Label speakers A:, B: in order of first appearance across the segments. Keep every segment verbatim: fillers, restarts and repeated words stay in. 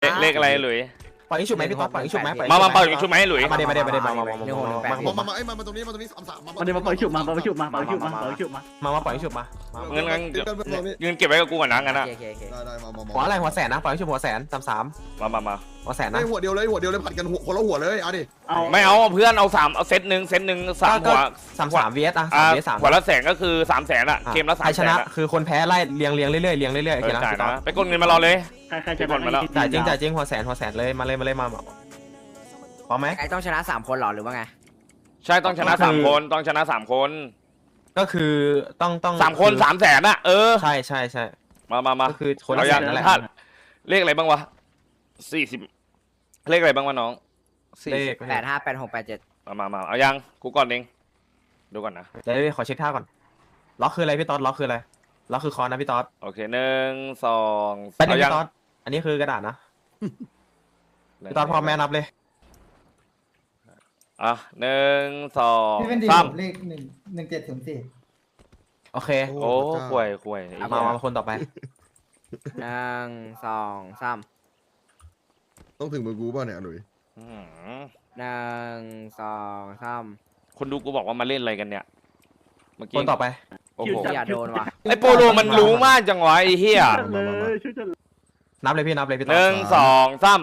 A: เลขอะไรหลุย
B: ปล่อยชุบไหมพี่ต๊อดปล่อยชุบไหม
A: มามาเป่าชุบไหมหลุย
B: มาเดี๋ยวมาเดี๋ยวมาเดี๋ยวมามามา
C: หนึ่งหกหนึ่งแปด
D: มามามาไอ้มามาตรงนี้มาตรงนี้สามสามมา
E: มันเดี๋ยวมาปล่อยฉุบมาปล่อยฉุบมาปล่อยฉุบมาปล่อยฉุบมา
B: มามาปล่อยชุบมา
A: เงินเงินเงินเก็บไว้กับกูก่อนนะงั้นนะ
C: โอเคโอเค
D: ได้ได้มามา
B: หัวอะไรหัวแสนนะปล่อยชุบหัวแสนสามสาม
A: มามามา
B: หัวแสน
D: ไอ้
B: นะ
D: หัวเดียวเลยหัวเดียวเลยผัดกันหัวคนละหัวเลยเอาดิ
E: เอา
A: ไม่เอาเพื่อนเอาสามเอาเซตหนึ่งเซตหนึ่งสามหัว
B: สามสามเวสอ่ะ
A: อ่า
B: สามเวสสาม
A: หัวละแสนก็คือสามแสนอะเกมละสาม
B: ใคร
A: แส
B: ช
A: น
B: นะ
A: อะ
B: คือคนแพ้ไล่เรียงเรียงเรื่อยๆเรียงเรื่อยๆโอ
A: เอ
B: เค
A: อ
B: นะ
A: จ่าย
B: พี่ต๊อ
A: นะ
B: ด
A: ไปกดเงินมารอเลย
E: ใครใครจะมาแล้ว
B: จ่ายจริงจ่ายจริงหัวแสนหัวแสนเลยมาเลยมาเลยมาพร้อมไหม
C: ไอ้ต้องชนะสามคนหรอหรือว่าไง
A: ใช่ต้องชนะสามคนต้องชนะสามคน
B: ก็คือต้องต้อง
A: สามคนสามแสนอะเออ
B: ใช่ใช่ใช่
A: มามามา
B: ก็คือคนละ
A: เอา
B: แส
A: ยัง
B: นนั่นแหละ
A: ถ้าเลขอะไรบ้างวะสี่สิบเลขอะไรบ้างวะน้อง
B: เลข
C: แปดห้าแปดหกแปดเจ็ด
A: มามามาเอายังกูก่อนเองดูก่อนนะ
B: เดี๋ยวขอเช็คท่าก่อนล็อกคืออะไรพี่ต๊อดล็อกคืออะไรล็อกคือคอนนะพี่ต๊อด
A: โอเคหนึ่งสอง
B: ไปหนึ่
A: เอา
B: ง
A: ยัง
B: พี่ต๊อดอันนี้คือกระดาษนะพี่ต๊อดพร้อมแม่นับเลย
A: อ่ะหนึ่งสอง
F: พี่เป็นดี
A: สาม
F: เลขหนึ่งหนึ่งเจ็ดศูนย์สี่
B: โอเค
A: โอ้ห่วยห่วย
B: มามาคนต่อไป
C: หนึ่งสองสาม
D: ต้องถึงมือกูป่ะเนี่ยหลุย
A: อื้อหือ
C: หนึ่งสองสาม
A: คนดูกูบอกว่ามาเล่นอะไรกันเนี่ยเมื่อ
B: ค
A: กี้
B: นต่อไป
A: โอ้โห
C: อย่าโดนว่ะ
A: ไอโปโลมันรู้มากจังวะไอเฮีย
E: เลยช่วยจะ
B: นับเลยพี่นับเลยพี่
A: ห
B: ต๊อด
A: นึ่งสองสาม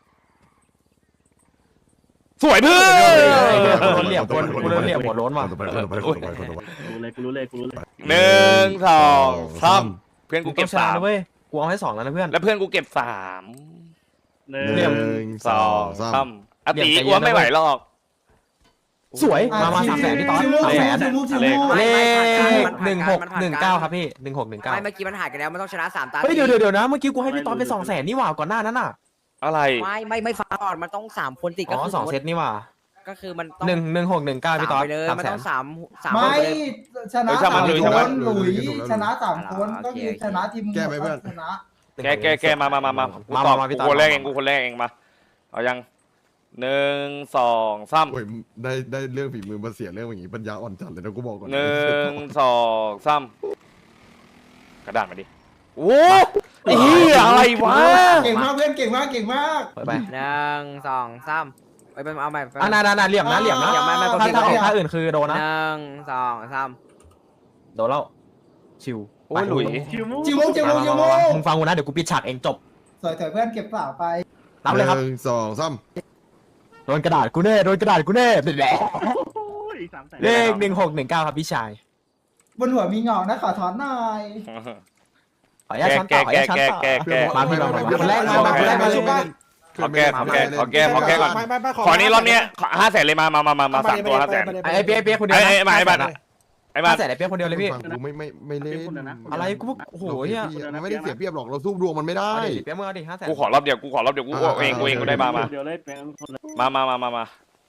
A: สวยเพื่อน
B: กูโดนเหลี่ยมกูกูโดนเหลี่ยมหัวโล้นว่ะ
D: ต่อไปต่อไปต่อไปต่อไป
E: รู้เลยกูรู้เลยกูรู้เลย
A: หนึ่งสองสามเพื่อน
B: กู
A: กู
B: เก็
A: เก็
B: บบ ชนะ
A: สาม
B: นะเว้ยกูเอาให้สองแล้วนะเพื่อน
A: แล้วเพื่อนกูเก็บสาม
E: หนึ่
D: หนึ่
E: ง
D: งสองสาม
A: สามอติอ้วนไม่ไหวหรอก
B: สวยมามาสามแสนพี่ต๊อดสามแสน
F: ชิมูชิ
A: เล
F: มู
A: ข
B: เลขหนึ่งหกหนึ่งเก้าครับพี่หนึ่งหกหนึ่งเก้า
C: ไม่เมื่อกี้มันหายกันแล้วมันต้องชนะสามตา
B: เฮ้ยเดี๋ยวเดี๋ยวเดี๋ยวนะเมื่อกี้กูให้พี่ต๊อดไปสองแสนนี่หว่าก่อนหน้านั้นน่ะ
A: อะไร
C: ไม่ไม่ไม่ฟังก่อนมันต้องสามคนติด
B: อ๋
C: ก็
B: อ
C: คือ
B: สองเซตนี่หว่า
C: ก็คือมันต้อง
B: หนึ่งหนึ่งหกหนึ่งเก้าพี่ต๊อด
C: ไปเลย
B: สาม
C: มัน
B: แส
C: ต้
B: น
C: องสามสาม
F: ไม่
C: คนเลย
F: ชนะสามคนหลุยชนะสามคนก็คือชนะทีมชนะ
A: แกแกแกมามามามากู
B: มา
A: ตอบ
B: มาพี่
A: กู
B: ต๊อด
A: คนแรกเองกูคนแรกเองมาเอายังหนึ่งสองสาม
D: โอ้ยได้ได้เรื่องฝีมือมาเสียเรื่องอย่างงี้ปัญญาอ่อนจัดเลยนะกูบอกก่อน
A: หนึ่งสองสามกระดาษมาดิโอ้ไอ้เหี้ยอะไรวะ
F: เก่งมากเพื่อนเก่งมากเก่งมาก
B: เปิดไป
C: หนึ่งสองสามไปไปเอาใหม่
B: อ่ะนานานาเหลี่ยมนะเหลี่ยมนะ
C: อย่าไม่ไม่
B: ถ้าถ้าออกท่าอื่นคือโดน
C: ห
B: นะ
C: นึ่งสองสาม
B: โดนแล้วชิว
A: โอ้ยหลุย
E: ชิวมู
F: ชิมูชิมูชิมู
B: มึงฟังกูนะเดี๋ยวกูปิดฉากเองจบ
F: สวยๆเพื่อนเก็บสาวไป
B: นับเลยครับ
D: หนึ่งสองสาม
B: โดนกระดาษกูแน่โดนกระดาษกูแน่เป็นแหละ
E: โอ้ยสามแสน
B: เลขหนึ่งหกหนึ่งเก้าครับพี่ชาย
F: บนหัวมีเงานะขอถอนหน่อย
B: ขออนุญาตช้อนต่อขออนุญาตช้อนต่อ
A: แกแก
B: มาพี่มามาคนแรกมามาคนแรกมาเลย
A: ขอแก้ขอแก้ขอแก้ขอแก้ก่อนขอนี้รอบนี้ห้าแสนเลยมามามามามาสามตัวห้าแสน
B: ไอ้เปี๊ยกเปี๊ยกคนเดียว
A: ไอ้ไอ้มาไอ้บ้านไอ้บ้า
B: ห้าน แสนไอ้เปี๊ยกคนเดียวเลยพี่
D: ฟังกูไม่ไม่ไม่เล่น
B: อะไรกูโอ้โหเฮีย
D: มันไม่ได้เสียเปรียบหรอกเราสู้ดวงมันไม่ได้
B: เอาดิเปี๊ยกมึงเอาดิห้าแสน
A: กูขอรอบเดียวกูขอรอบเดียวกูเองกูเองกูได้มามา
E: เดี๋ยวเลยเป็นคนเลย
A: มามามามามา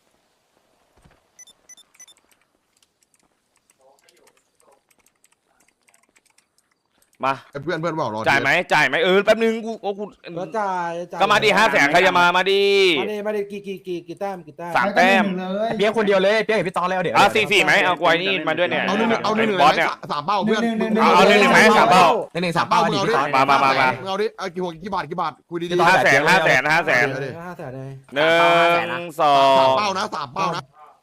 A: มา
D: เพื่อนเพื่อนบอกรอ
A: จ่ายไหมจ่ายไหมเออแป๊บนึงกูโอ้กู
G: ก็จ่ายจ่าย
A: ก็มาดีห้าแสนใครจะมามาดี
G: มาดิมาดิกี่กี่กี่กี่แต้มกี่แต้ม
A: สามแต้ม
F: เลย
B: เปี๊ยกคนเดียวเลยเปี๊ยกเห็นพี่ตอนแล้วเดี๋ยว
A: อ่ะสี่สี่ไหมเอากวยนี่มาด้วยเนี่ย
D: เอาหนึ่งเอาหนึ่งหนึ่ง
A: บอสเนี่ย
D: สามเป้าเพื่อน
A: เอาเอาหนึ่งหนึ่งไหมสามเป้า
B: หนึ่งหนึ่งสามเป้าดิพี่ตอน
A: มามามามา
D: เอาดิเอากี่หัวกี่บาทกี่บาทคุยดี
A: ห้าแสนห้าแสนห้าแสน
G: ห้าแสนเลย
A: หนึ่งสอ
D: ๆสาม
A: ง
D: เป้านะสามเป้านะ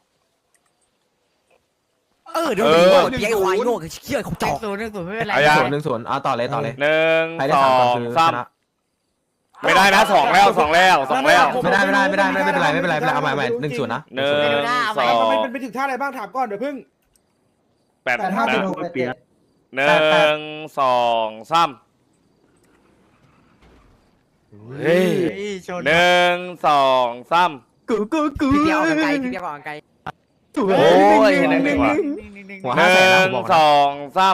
C: เออเดี๋ยว
A: เออ
C: เปียกควายโง่เชี่ยเขาจอก
H: ศูนย์หนึ่งศูนย์ไม่เป็นไร
A: เอายัง
B: ศูนย์หนึ่งศูนย์เอาต่อเลยต่อเลย
A: หนึ่ง
B: ใครได้
A: สอ
B: สามคน
A: ง
B: คือ
A: สาม
B: ชนะ
A: ไม่ได้นะสองแล้วสองแล้วสองแล้ว
B: ไม่ได้ไม่ได้ไม่ได้ไม่เป็นไรไม่เป็นไรไม่เป็นไรเอาใหม่ใหม่หนึ่งศูนย์นะ
A: หนึ่งสอ
G: มัน
A: ง
G: เป็นไปถึงท่าอะไรบ้างถามก่อนเดี๋ยวพึ่ง
A: แปด
F: แปดห้า
A: นะ
F: สิบหกแปดเจ็ด
A: หนึ่งสองสามเฮ้ย
H: ชน
A: หนึ่งสองสาม
B: กูกูกู
C: พี่เปียกออกกันไกลพี่เปียกออกกันไกล
B: ถูก
A: โอ้ยหนึ่งหนึ่งว่ะ
B: หัว
A: ห
B: ห้าแสน
A: นึ่
B: นะ
A: ง
B: ผมบอก
A: ส
B: นะ
A: องสาม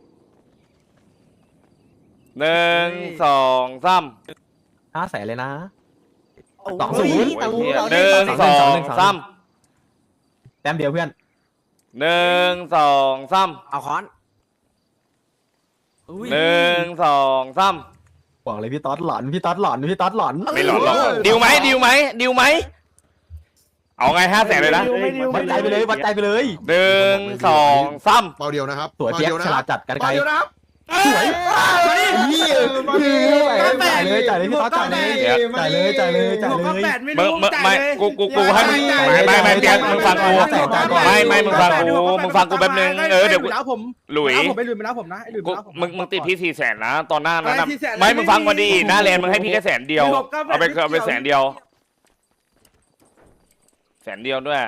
A: หนึ่งสองสาม
B: ห้าแสนเลยนะ
H: โอ้ย
B: สองศูนย์
H: สองศูนย์
A: หนึ่งสองสาม
B: แต้มเดียวเพื่อน
A: หนึ่งสองสาม
C: เอาค้อน
A: หนึ่งสองสาม
B: บอกเลยพี่ต๊อดหลอนพี่ต๊อดหลอนพี่ต๊อดหลอน
A: ไม่หลอนหรอกดิวไหมดิวไหมดิวไหมเอาไงห้าแสนเลยนะ
B: วัดใจไปเลยวัดใจไปเลย
A: หนึ่งสองสาม
D: เป้าเดียวนะครับ
B: สวยเปี๊ยกฉลาดจัดกันไกล
D: เป้าเดียวนะครับ
B: สวยเฮียจ่ายเลยจ่ายเลยพี่ต๊อดจ่ายเลยจ่ายเลยจ่ายเลยจ่าย
G: หก
B: เล
G: ก็
B: ย
G: แปดไม่
A: มึง
G: รู้
A: มึง
G: จ่าย
A: ไม่
G: เลย
A: กูกูกูให้มึงไม่ไม่ไม่เปียกมึงฟังกูไม่ไม่มึงฟังกูมึงฟังกูแป๊บนึงเออเดี๋ยวกู
G: แล้วผม
A: หลุย
G: ผมไปหลุยมาแล้วผมนะไอ้หลุย
A: กู
G: มาแล้วผม
A: มึงมึงติดพี่สี่แสนนะตอนหน้านั้นนะ
G: อะไร400,000
A: ไม่มึงฟังมาดีหน้าแลนมึงให้พี่แค่แสนเดียว
G: มีหกเก้าแปด
A: เอาไป
G: ไม่เกี่ยว
A: เอาไปแสนเดียวแสนเดียวด้วย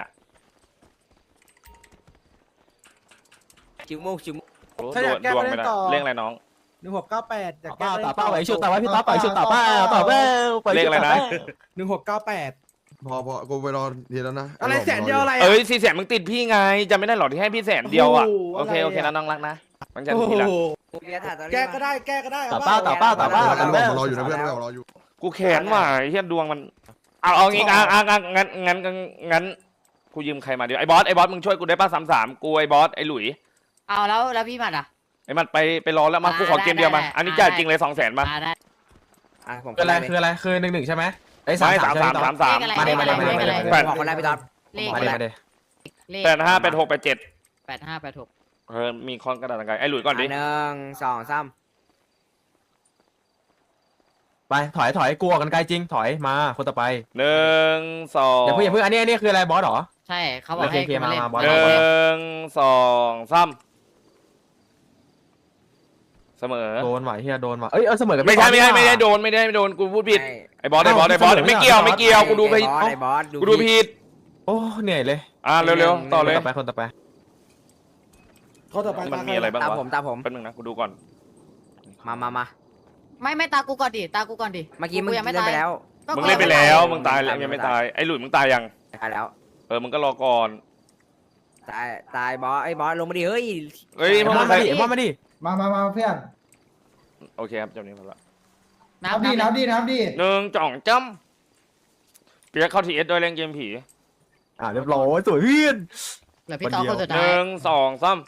C: จิ๋วมุกจิ๋วมุก
A: โอ้ดวงดวงไม่ได้เรื่องอะไรน้อง
G: หนึ่งหกเก้าแปด
B: ต่อเป้าต่อเป้าไอ้ชุดต่อไว้พี่ต๊อดต่อยชุดต่อเป้าต่อเป้า
A: เลขอะไรนะ
G: หนึ่งหกเก้าแปด
D: พอพอกูไปรอทีแล้วนะ
G: อะไรแสนเดียวอะไร
A: เอ้ยสี่แสนมึงติดพี่ไงจำไม่ได้หรอที่ให้พี่แสนเดียวอ่ะโอเคโอเคนะน้องรักนะมันจะ
G: โอ้
A: ที
G: โห
A: ละ
C: เบียร์ถ่ายตอนนี้
G: แก้ก็ได้แก้ก็ได้
B: ต่อเป้าต่อเป้าต่อเป้า
D: เรา
B: ต่อเป้าร
D: ออยู่นะเพื่อนเรารออยู่
A: กูแขนว่ะไอ้เฮียดวงมันเอาเอางี้อ่ะอ่ะอ่ะงั้นงั้นงั้นงั้นกูยืมใครมาเดี๋ยวไอ้บอสไอ้บอสมึงช่วยกูได้ป่ะสามสามกูไอ้บอสไอ้หลุย
H: เอาแล้วแล้วพี่หมัดอ่ะ
A: ไอ้มันไปไปรอแล้วมา
H: อ่า
A: กูขอเกมเดียวมา
H: ได้ได้
A: อันนี้จ่ายจริงเลยสองแสนมา
H: อ่าได้
C: อ่ะผม
B: คืออะไรคืออะไรคือหนึ่งหนึ่งใช่ไหมไอ้สาม
A: ไม่
B: สา
A: สาม ม
B: ใช่ไห
A: สาม
B: พี่ต๊อด
A: สามสาม
B: มาดิมาดิมาดิมาดิ
A: แปด
C: บอกคนแรกพี่ต๊อด
H: เลข
B: มาดิมาดิ
H: เลข
A: แปดห้าแปดหกแปดเจ็ด
H: แปดห้าแปดหก
A: เออมีคอนกระดาษอะไรไอ้หลุยก่อนดิ
C: หนึ่งสองสาม
B: ไปถอยถอยกลัวกันไกลจริงถอยมาคนต่อไป
A: หนึ่งสอง
B: อย่าเพิ่งอย่าเพิ่งอันนี้อันนี้คืออะไรบอสเหรอ
H: ใช่เขาบอกให้
B: โอเค
H: กูมาเล่น
B: มามาบอส
A: หนึ่งสองสามเสมอ
B: โดนว่ะเฮียโดนว่ะเอ้ยเออเสมอกัน
A: ไม่ใช่ไม่ใช่
B: ก่อน
A: ไม่ได้
B: ว่ะ
A: โดนไม่ได้ไม่โดนกูพูดผิด
C: ไอ้
A: ไอ้บอสไอ้บอสไอ้บอส
B: เอ้า
A: ไม่เกี่ยวไม่เกี่ยวกูดูไป
C: ไอ้บอสไอ้บอส
A: กูดูผิด
B: โอ้เหนื่อยเลย
A: อ่าเร็วๆต่อ
B: ค
A: เล
B: น
A: ย
B: ต่อไปคนต่อไป
G: เขาต่อไป
A: มันมีอะไรบ้าง
C: ตาม
A: วะ
C: ผมตามผม
A: แป๊บนึงนะกูดูก่อน
C: มามามา
H: ไม่ไม่ตากูก่อนดิตากูก่อนดิ
C: เมื่อกี้มึง
H: ยังไม่
C: เล่น
H: ตาย
C: ไปแล้ว
H: ก็
A: มึง
H: กู
A: เล่นไป
H: ยัง
A: แล้ว
H: ตาย
A: มึงตายแล้วยังไม่ตายไอ้หลุยมึงตายยัง
C: ตายแล้ว
A: เออมึงก็รอก่อน
C: ตายตายบอสไอ้บอสลงมาดิเฮ้ย
A: เฮ้ย
B: ไอ้
A: พวก
B: บอ
A: มึ
B: ส
A: ง
B: มา
A: ใคร
B: ดิไอ้บอสมาดิ
F: มามามาเพื่อน
A: โอเคครับจำนี้พอละ
H: นั
F: นั
H: บบ
F: ดี
H: นั
F: นั
H: บบ
F: ดีนับดี
A: หนึ่งจ่องจ้ำเปียกเข้าทีเอสด้วยเล่นเกมผี
B: อ่าเรียบร้อยสวยเพื่อน
H: เหลือพี่ต่อคนสุด
A: ห
H: ท้าย
A: นึ่งสองสาม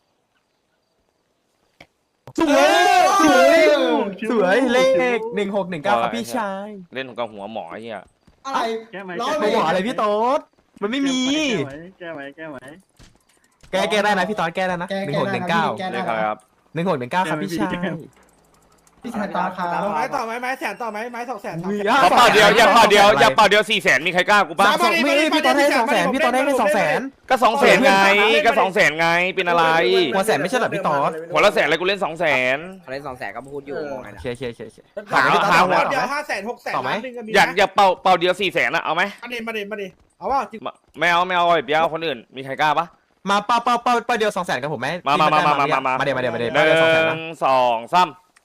B: สวยสวยสวยเลขหนึ่งหกหนึ่งเก้าครับพี่ชาย
A: เล่นกับหัวหมอไอ้เหี้ย
F: อะไร
E: แก้ไหม
F: ร้อ
B: ไม่บอกอะไรพี่โต๊ดมันไม่มี
E: แก้ไหมแก้ไหม
B: แก้แก้ได้นะพี่ต๊อดแก้ได้นะ
F: แก
B: หนึ่
F: แก
B: งหกหนึ่งเก้า
F: แก
A: เรี
F: ได้
A: ยกอะไรครับ
B: หนึ่งหกหนึ่งเก้าครับพี่ชาย
F: พี่ชายตาคา
G: ต่อไหมต่อไหมไม้แสนต่อไหมไม้สองแสน
B: มี
A: ขอเป่าเดียวอย่าเป่าเดียวอย่าเป่าเดียวสี่แสนมีใครกล้ากูป่ะ
B: สองไม่พี่ต๊อดให้สองแสนพี่ต๊อดให้แค่สองแสน
A: ก็สองแสนไงก็สองแสนไงเป็นอะไร
B: หัวแสนไม่ใช่เหรอพี่ต๊อด
A: หัวละแสนอะไรกูเล่นสองแสน
C: เขาเล่นสองแสนก็พูดอยู่มองไง
B: โอ
C: นะ
B: เคโอเคโอเคโอเค
A: หาหาหัว
G: เดียวห้าแสนหกแสน
B: ต่อไหม
G: ล้านหนึ่งก็มี
A: อยากอย่าเป่าเป่าเดียวสี่แสนอะเอาไหม
G: มาดิมาดิมาดิเอาว่าจริง
A: ไม่เอาไม่เอาไอ้เปียกเอาคนอื่นมีใครกล้าปะ
B: มาเป้าเป้าเป้าเป้าเดียวสองแสนกับผมไหม
A: มามามามามามามา
B: มาเดี๋ยวมาเดี๋ยวมาเดี๋ยว
A: หนึ่
B: เดียวสองแสนนะ
A: งสองสาม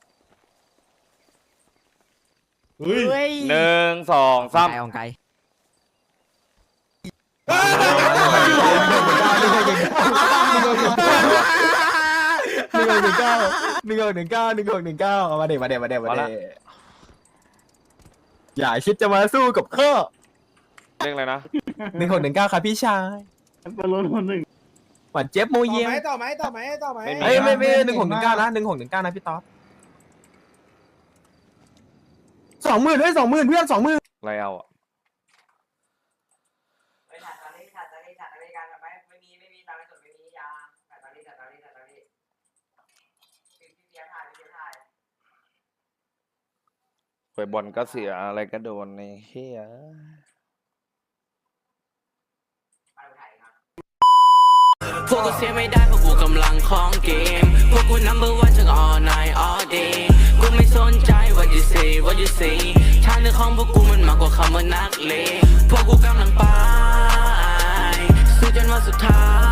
H: เฮ้ย
A: หนึ่งสองสาม
C: ไกลของไกล
B: หนึ่งหกหนึ่งเก้าหนึ่งหกหนึ่งเก้าหนึ่งหกหนึ่งเก้าเอามาเดี๋ยวมาเดี๋ยวมาเดี๋ยวมาเดี๋ยวอย่าคิดจะมาสู้กับข้อ
A: เรียกอะไรนะ
B: หนึ่งหกหนึ่งเก้าครับพี่ชาย
E: บอลลูนคนหนึ่ง
B: หวานเจี๊ยบโม
G: ต่อ
B: เยี่ยม
G: ไหมต่อไหมต่อไหมต่อไหม
B: เอ้ยไม่ไม่หนึ่งหกหนึ่งเก้านะหนึ่งหกหนึ่งเก้านะพี่ต๊อดสองหมื่นด้วยสองหมื่นเพื่อนสองหมื่น
A: อะไรเอาอะ
C: ไม่ถ่ายตอนนี้ถ่ายตอนนี้ถ่ายตอนนี้กันไหมไม่มีไม่มีตอนนี้สดไม่มียาถ่ายตอนนี้ถ่ายตอนนี้ถ่ายตอนนี้พี่พี่เบียร์ถ่ายพี่เบียร์ถ่าย
A: ไปบอลก็เสียอะไรก็โดนในเฮีย
I: พวกกูเสียไม่ได้เพราะกูกำลังของเกม พวกกู number one จาก all night all day กูไม่สนใจ what you say what you say ทางเดินของพวกกูมันมากกว่าคำว่านักเลงพวกกูกำลังไปสู้จนวันสุดท้าย